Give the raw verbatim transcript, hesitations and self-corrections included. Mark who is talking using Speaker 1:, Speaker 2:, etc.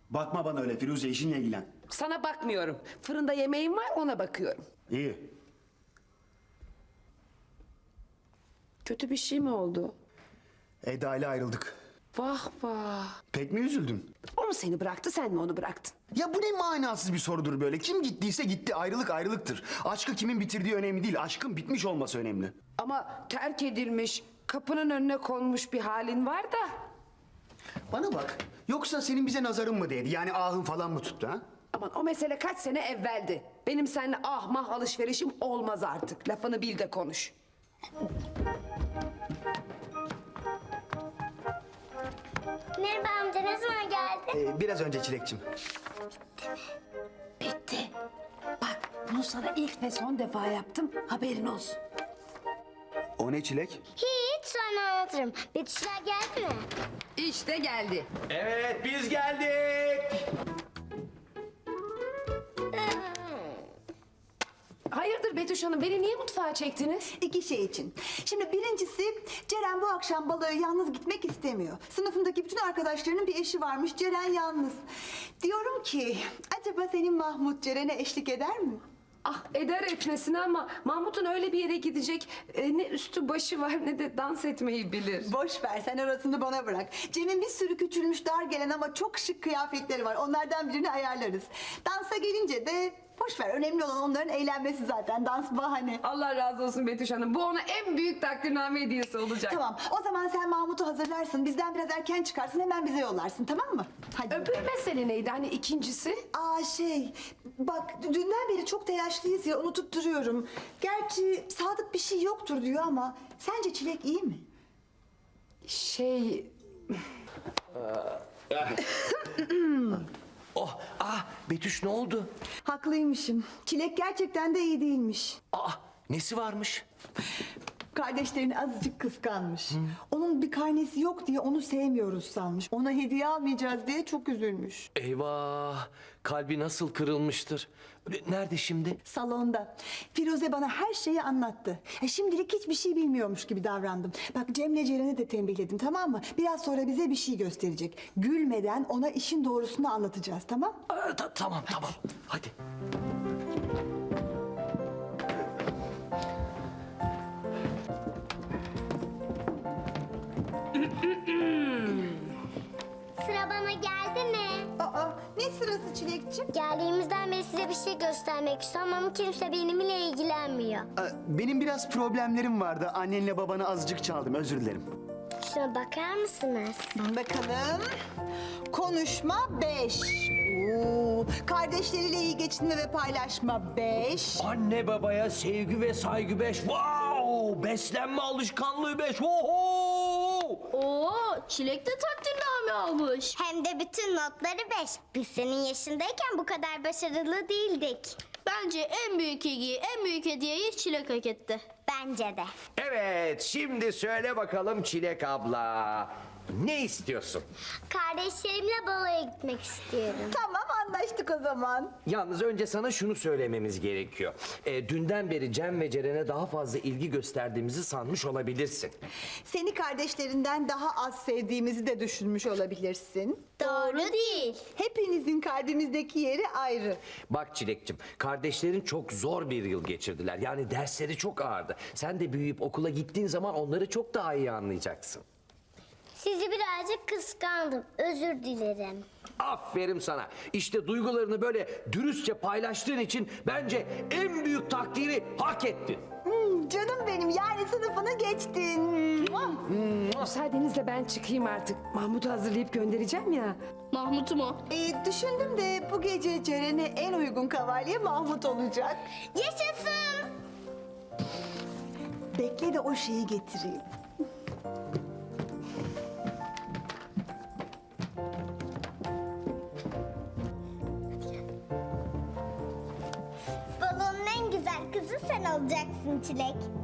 Speaker 1: Bakma bana öyle Firuze, işinle ilgilen.
Speaker 2: Sana bakmıyorum. Fırında yemeğim var, ona bakıyorum.
Speaker 1: İyi.
Speaker 2: Kötü bir şey mi oldu?
Speaker 1: Eda ile ayrıldık.
Speaker 2: Vah vah.
Speaker 1: Pek mi üzüldün?
Speaker 2: O mu seni bıraktı, sen mi onu bıraktın?
Speaker 1: Ya bu ne manasız bir sorudur böyle. Kim gittiyse gitti, ayrılık ayrılıktır. Aşkı kimin bitirdiği önemli değil, aşkın bitmiş olması önemli.
Speaker 2: Ama terk edilmiş, kapının önüne konmuş bir halin var da.
Speaker 1: Bana bak, yoksa senin bize nazarın mı değdi? Yani ahın falan mı tuttu ha?
Speaker 2: Aman o mesele kaç sene evveldi. Benim seninle ah mah alışverişim olmaz artık. Lafını bil de konuş.
Speaker 3: Merhaba amca, ne zaman geldin?
Speaker 1: Ee, biraz önce Çilekçim.
Speaker 2: Bitti. Bak bunu sana ilk ve son defa yaptım, haberin olsun.
Speaker 1: O ne Çilek?
Speaker 3: Hiç, sonra anlatırım. Betüşler geldi mi?
Speaker 2: İşte geldi.
Speaker 4: Evet, biz geldik.
Speaker 2: Hayırdır Betüş Hanım, beni niye mutfağa çektiniz?
Speaker 5: İki şey için. Şimdi birincisi Ceren bu akşam baloya yalnız gitmek istemiyor. Sınıfındaki bütün arkadaşlarının bir eşi varmış. Ceren yalnız. Diyorum ki acaba senin Mahmut Ceren'e eşlik eder mi?
Speaker 2: Ah eder etmesine ama Mahmut'un öyle bir yere gidecek e, ne üstü başı var ne de dans etmeyi bilir.
Speaker 5: Boş ver, sen orasını bana bırak. Cem'in bir sürü küçülmüş dar gelen ama çok şık kıyafetleri var. Onlardan birini ayarlarız. Dansa gelince de boş ver. Önemli olan onların eğlenmesi zaten. Dans bahane.
Speaker 2: Allah razı olsun Betüş Hanım. Bu ona en büyük takdirname hediyesi olacak.
Speaker 5: Tamam, o zaman sen Mahmut'u hazırlarsın. Bizden biraz erken çıkarsın, hemen bize yollarsın, tamam mı? Hadi.
Speaker 2: Öbür mesele neydi hani ikincisi?
Speaker 5: Aa şey, bak dünden beri çok telaşlıyız ya, unutup duruyorum. Gerçi Sadık bir şey yoktur diyor ama sence Çilek iyi mi?
Speaker 2: Şey...
Speaker 4: Oh, ah Betüş ne oldu?
Speaker 5: Haklıymışım. Çilek gerçekten de iyi değilmiş.
Speaker 4: Aa, nesi varmış?
Speaker 5: Kardeşlerini azıcık kıskanmış. Onun bir karnesi yok diye onu sevmiyoruz sanmış. Ona hediye almayacağız diye çok üzülmüş.
Speaker 4: Eyvah, kalbi nasıl kırılmıştır. Nerede şimdi?
Speaker 5: Salonda. Firuze bana her şeyi anlattı. Ya şimdilik hiçbir şey bilmiyormuş gibi davrandım. Bak Cem'le Ceren'i de tembihledim, tamam mı? Biraz sonra bize bir şey gösterecek. Gülmeden ona işin doğrusunu anlatacağız, tamam?
Speaker 4: Aa, ta- tamam, tamam. Hadi.
Speaker 3: Sıra bana geldi mi?
Speaker 5: Aa, ne sırası Çilekçim?
Speaker 3: Geldiğimizden beri size bir şey göstermek istiyorum ama kimse benimle ilgilenmiyor.
Speaker 1: Ee, Benim biraz problemlerim vardı. Annenle babanı azıcık çaldım, özür dilerim.
Speaker 3: Şuna bakar mısınız?
Speaker 5: Bakalım. Konuşma beş. Oo, kardeşleriyle iyi geçinme ve paylaşma beş.
Speaker 4: Anne babaya sevgi ve saygı beş. Wow! Beslenme alışkanlığı beş. Oho!
Speaker 6: Oo, Çilek de takdirname almış.
Speaker 3: Hem de bütün notları beş. Biz senin yaşındayken bu kadar başarılı değildik.
Speaker 6: Bence en büyük ilgiyi, en büyük hediyeyi Çilek hak etti.
Speaker 3: Bence de.
Speaker 4: Evet, şimdi söyle bakalım Çilek abla. Ne istiyorsun?
Speaker 3: Kardeşlerimle baloya gitmek istiyorum.
Speaker 5: Tamam, anlaştık o zaman.
Speaker 4: Yalnız önce sana şunu söylememiz gerekiyor. E, dünden beri Cem ve Ceren'e daha fazla ilgi gösterdiğimizi sanmış olabilirsin.
Speaker 5: Seni kardeşlerinden daha az sevdiğimizi de düşünmüş olabilirsin.
Speaker 6: Doğru değil.
Speaker 5: Hepinizin kalbimizdeki yeri ayrı.
Speaker 4: Bak Çilek'cim, kardeşlerin çok zor bir yıl geçirdiler. Yani dersleri çok ağırdı. Sen de büyüyüp okula gittiğin zaman onları çok daha iyi anlayacaksın.
Speaker 3: Sizi birazcık kıskandım. Özür dilerim.
Speaker 4: Aferin sana. İşte duygularını böyle dürüstçe paylaştığın için bence en büyük takdiri hak ettin.
Speaker 5: Hmm, canım benim, yani sınıfını geçtin. Muah.
Speaker 2: Müsaadenizle ben çıkayım artık. Mahmut'u hazırlayıp göndereceğim ya.
Speaker 6: Mahmut'u mu?
Speaker 5: Ee, düşündüm de bu gece Ceren'e en uygun kavalye Mahmut olacak.
Speaker 3: Yaşasın!
Speaker 5: Bekle de o şeyi getireyim.
Speaker 3: Balonun en güzel kızı sen olacaksın Çilek.